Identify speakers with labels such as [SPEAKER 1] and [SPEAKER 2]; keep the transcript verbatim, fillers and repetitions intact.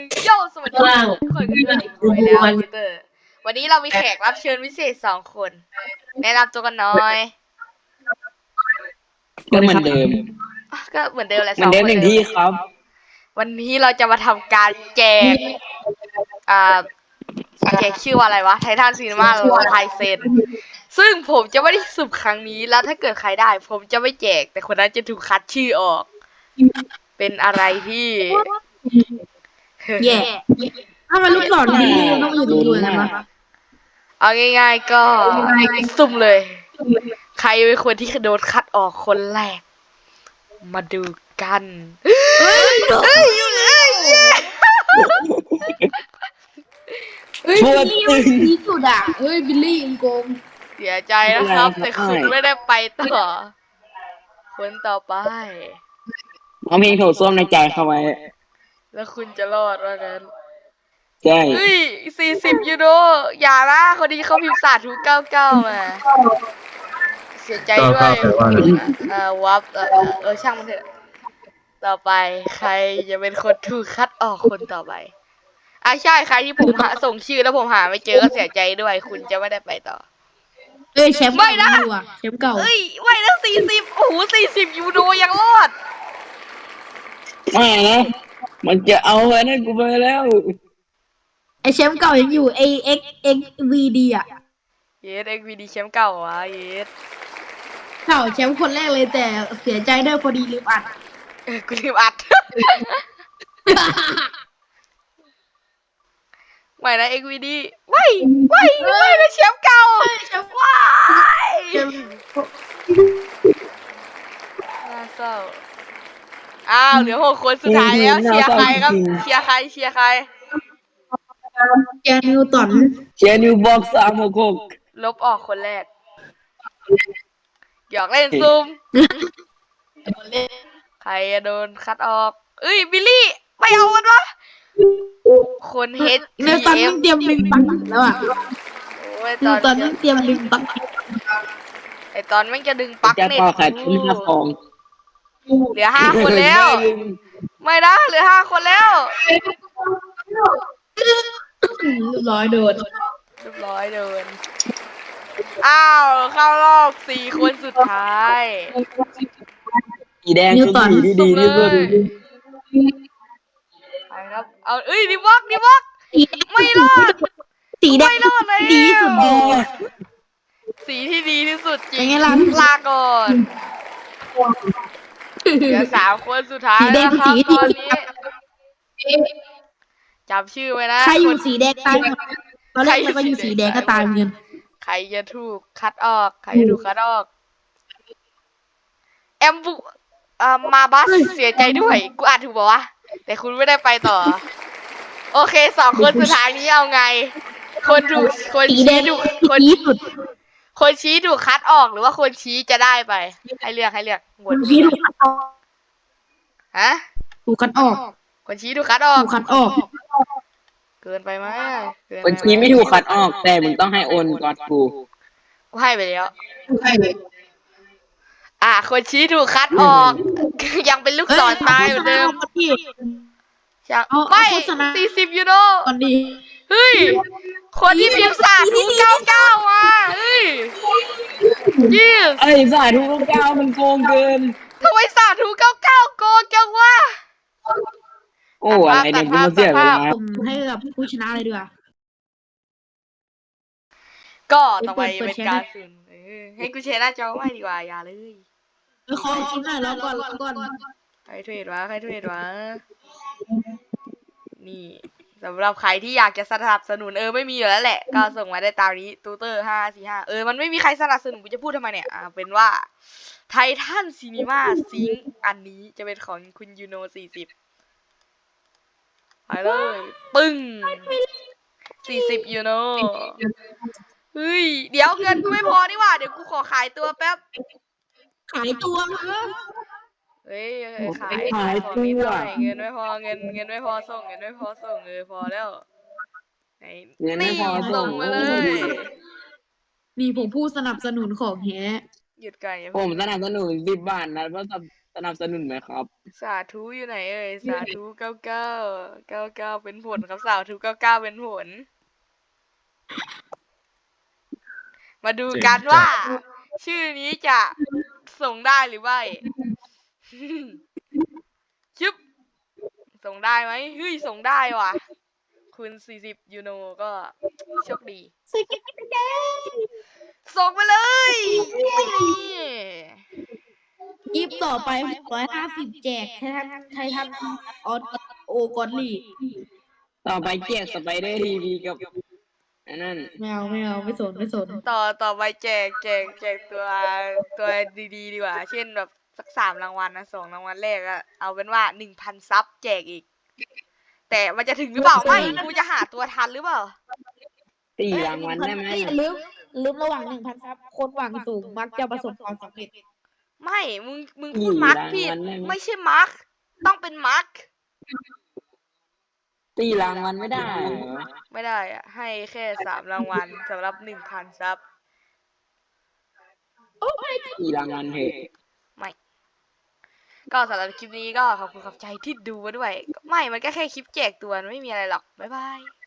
[SPEAKER 1] โย่สวัสดีทุกคนกันด้วยอีกหน่อยแล้วยูเตอร์วันนี้เรามีแขกรับเชิญพิเศษสองคนแนะนำตัวกันหน่อย
[SPEAKER 2] ก็เหมือนเดิม
[SPEAKER 1] ก็เหมือนเดิมแหละ
[SPEAKER 2] เหมือนเดิมหนึ่งที่ครับ
[SPEAKER 1] วันนี้เราจะมาทำการแจกอ่าแจกชื่อว่าอะไรวะไททันซีนีมาโลไทเซนซึ่งผมจะไม่ได้สุ่มครั้งนี้แล้วถ้าเกิดใครได้ผมจะไม่แจกแต่คนนั้นจะถูกคัดชื่อออกเป็นอะไรที่
[SPEAKER 3] แย่ถ้ามันลูกศรดีต้องอยู่ตรงด้วยนะมั้ย
[SPEAKER 1] เอาง่ายๆก็สุ่มเลย ใครเป็นคนที่โดนคัดออกคนแรก มาดูกันเฮ้ยเฮ้ยเฮ้ย
[SPEAKER 3] เฮ้ยบิลลี่มันดีสุดอ่ะเฮ้ยบิลลี่อิงโกง
[SPEAKER 1] เสียใจนะครับ แต่คุณไม่ได้ไปต่อ คนต่อไป
[SPEAKER 2] เอาเพลงโถส้วมในใจเข้าไว้
[SPEAKER 1] แล้วคุณจะรอดว่างั้น
[SPEAKER 2] ใช่
[SPEAKER 1] เฮ้ยสี่สิบยูโรอย่าละคนนี้เขาพิมพ์สาธุเก้าเก้ามาเสียใจด้วยเอ่อวับเออเออช่างมันเถอะต่อไปใครจะเป็นคนถูกคัดออกคนต่อไปอ่ะใช่ใครที่ผมหาส่งชื่อแล้วผมหาไม่เจอก็เสียใจด้วยคุณจะไม่ได้ไปต่อ
[SPEAKER 3] เอ้ยแชมป์ไม่นะแชมป์เก่า
[SPEAKER 1] เอ้ยไม่นะสี่สิบโอ้โหสี่สิบยูโรยังรอด
[SPEAKER 2] ไม่นะมันจะเอาไว้นั่นกูไปแล้ว
[SPEAKER 3] ไอแชมป์เก่ายังอยู่ไอเอ็กเอ็กวีดีอ่ะ
[SPEAKER 1] เยสเอ็กวีดีแชมป์เก่าวะเยส
[SPEAKER 3] เก่าแชมป์คนแรกเลยแต่เสียใจด้วยพอดีลืมอัด
[SPEAKER 1] เออกูลืมอัดไม่นะเอ็กวีดีว้ายว้ายว้ายนะแชมป์เก่าว้ายน่าเศร้าอ้าวเหลือหกคนสุดท้ายแล้วเชียร์ใครครับเชียร์ใครเชียร์ใคร
[SPEAKER 3] เชียร์นิวตัน
[SPEAKER 2] เชียร์นิวบอกสามหกหก
[SPEAKER 1] ลบออกคนแรกหยอกเล่นซูมใครจะโดนคัดออกเอ้ยบิลลี่ไปเอามันวะคนเฮด
[SPEAKER 3] นิวตันต้องเตรียมดึงปักแล้วอ่ะนิวตันต้องเตรียมดึงปัก
[SPEAKER 1] ไอตอนแม่งจะดึงปักเน็ตเหลือห้าคนแล้วไม่นะเหลือห้าคนแล้ว
[SPEAKER 3] เรียบร้อยโดน
[SPEAKER 1] เรียบร้อยโดนอ้าวเข้ารอบสี่คนสุดท้าย
[SPEAKER 2] สีแดงคือสีดีดีที่สุด
[SPEAKER 1] ไปครับเอาเอ้ยดิวอกดิวอกไม่รอด
[SPEAKER 3] สีแดง
[SPEAKER 1] ไม่รอดเลย
[SPEAKER 3] ดีสุด
[SPEAKER 1] สีที่ดีที่สุดจริงลาก่อนเหลือสามคนสุดท้ายแล้วครับตอนนี้จำชื่อไว้นะ
[SPEAKER 3] ใครอยู่สีแดงตายหมดตอนแรกมันก็อยู่สีแดงก็ตายเหมือนกัน
[SPEAKER 1] ใครจะถูกคัดออกใครจะถูกคัดออกแอมบุอ่ามาบัสเสียใจด้วยกูอ่านถูกป่าวะแต่คุณไม่ได้ไปต่อโอเคสองคนสุดท้ายนี้เอาไงคนถูกคนชี้ถูกคนคนชี้ถูกคัดออกหรือว่าคนชี้จะได้ไปให้เลือกให้เลือก
[SPEAKER 3] คนชี้ถูกคัดออก
[SPEAKER 1] ฮะ
[SPEAKER 3] ถูกคัดออก
[SPEAKER 1] คนชี้ถูกคัดออก
[SPEAKER 3] ถูกคัดออก
[SPEAKER 1] เกินไปไหม
[SPEAKER 2] คนชี้ไม่ถูกคัดออกแต่มึงต้องให้โอนก่อนกู
[SPEAKER 1] กูให้ไปแล้วให้ไปอ่ะคนชี้ถูกคัดออกยังเป็นลูกศรตายเหมือนเดิมไม่สี่สิบยูโรเฮ้ยคนที่พิมพ์สาธุเก้าเก้าอ่ะเฮ้ยยี่
[SPEAKER 2] ไอ้สาธุเก้าเก้ามันโกงเกิน
[SPEAKER 1] ทำไมสาธุเก้าเก้าโกงจังวะ
[SPEAKER 2] โอ้อะไรเนี่ยกูมาเสียเวลา
[SPEAKER 3] ให้กับผู้ชนะเลยดีกว่า
[SPEAKER 1] ก็ต่อไปเป็นการสุ่มให้กูแชร์หน้าจอไว้ดีกว่าอย่าเลย
[SPEAKER 3] ขอคิดหน่อยแล้วก่อนแล้วก่อน
[SPEAKER 1] ใครเทรดวะใครเทรดวะนี่สำหรับใครที่อยากจะสนับสนุนเออไม่มีอยู่แล้วแหละก็ส่งมาได้ตามนี้ตูเตอร์ห้าสี่ห้าเออมันไม่มีใครสนับสนุนกูจะพูดทำไมเนี่ยอ่าเป็นว่าไททันซีนีมาซิงอันนี้จะเป็นของคุณยูโนสี่สิบไปเลยปึ้งสี่สิบยูโนเฮ้ยเดี๋ยวเงินกูไม่พอนี่หว่าเดี๋ยวกูขอขายตัวแป๊บ
[SPEAKER 3] ขายตัว
[SPEAKER 1] เฮ้ยขายขายของนิดหน่อยเงินไม่พอเงินเงินไม่พอส่งเงินไม่พอส่งเออพอแล้วไหนนี่ส่งมาเลย
[SPEAKER 3] นี่ผมผู้สนับสนุนของแฮ
[SPEAKER 1] หยุดไก่
[SPEAKER 2] ผมสนับสนุนสิบบาทนะเพราะสนับสนุนไหมครับ
[SPEAKER 1] สาธุอยู่ไหนเอ่ยสาธุเก้าเก้าเก้าเก้าเป็นผลครับสาธุเก้าเก้าเป็นผล มาดูกันว่า ชื่อนี้จะส่งได้หรือไม่ ชึบส่งได้ไหมเฮ้ยส่งได้ว่ะ คุณสี่สิบยูโนก็โชคดี
[SPEAKER 3] สกิปไปเลย
[SPEAKER 1] ส่งไปเลยนี่
[SPEAKER 3] ยิบต่อไปร้อยห้าสิบแจกไททันไททันออสโอกอนลี่
[SPEAKER 2] ต่อไปแจกสไปเดอร์ทีวีกับอันนั้น
[SPEAKER 3] ไม่เอาไม่เอาไม่สนไม่สน
[SPEAKER 1] ต่อต่อไปแจกแจกแจกตัวตัวดีๆดีกว่า เช่นแบบสักสามรางวัลนะสองรางวัลแรกอะเอาเป็นว่าหนึ่งพันซับแจกอีก แต่มันจะถึงหรือเปล่าไม่กูจะหาตัวทันหรือเปล่า
[SPEAKER 2] สี่รางวัลได้ไหม
[SPEAKER 3] อย่าลืมลืมระหว่างหนึ่งพันซับคนหวังสูงมักจะประสบความสำเร็จ
[SPEAKER 1] ไม่ มึง มึงพูดมาร์คผิดไม่ใช่มาร์คต้องเป็นมาร์ค
[SPEAKER 2] สี่รางวัลไม่ได้เหรอ
[SPEAKER 1] ไม่ได้อะให้แค่สามรางวัลสำหรับหนึ่งพันซับ
[SPEAKER 3] โอ้ไม่
[SPEAKER 2] สี่รางวัลเถอะ
[SPEAKER 1] ไม่ ก็สำหรับคลิปนี้ก็ขอบคุณขอบใจที่ดูมาด้วย ไม่ มันก็แค่คลิปแจกตัวมันไม่มีอะไรหรอก บ๊ายบาย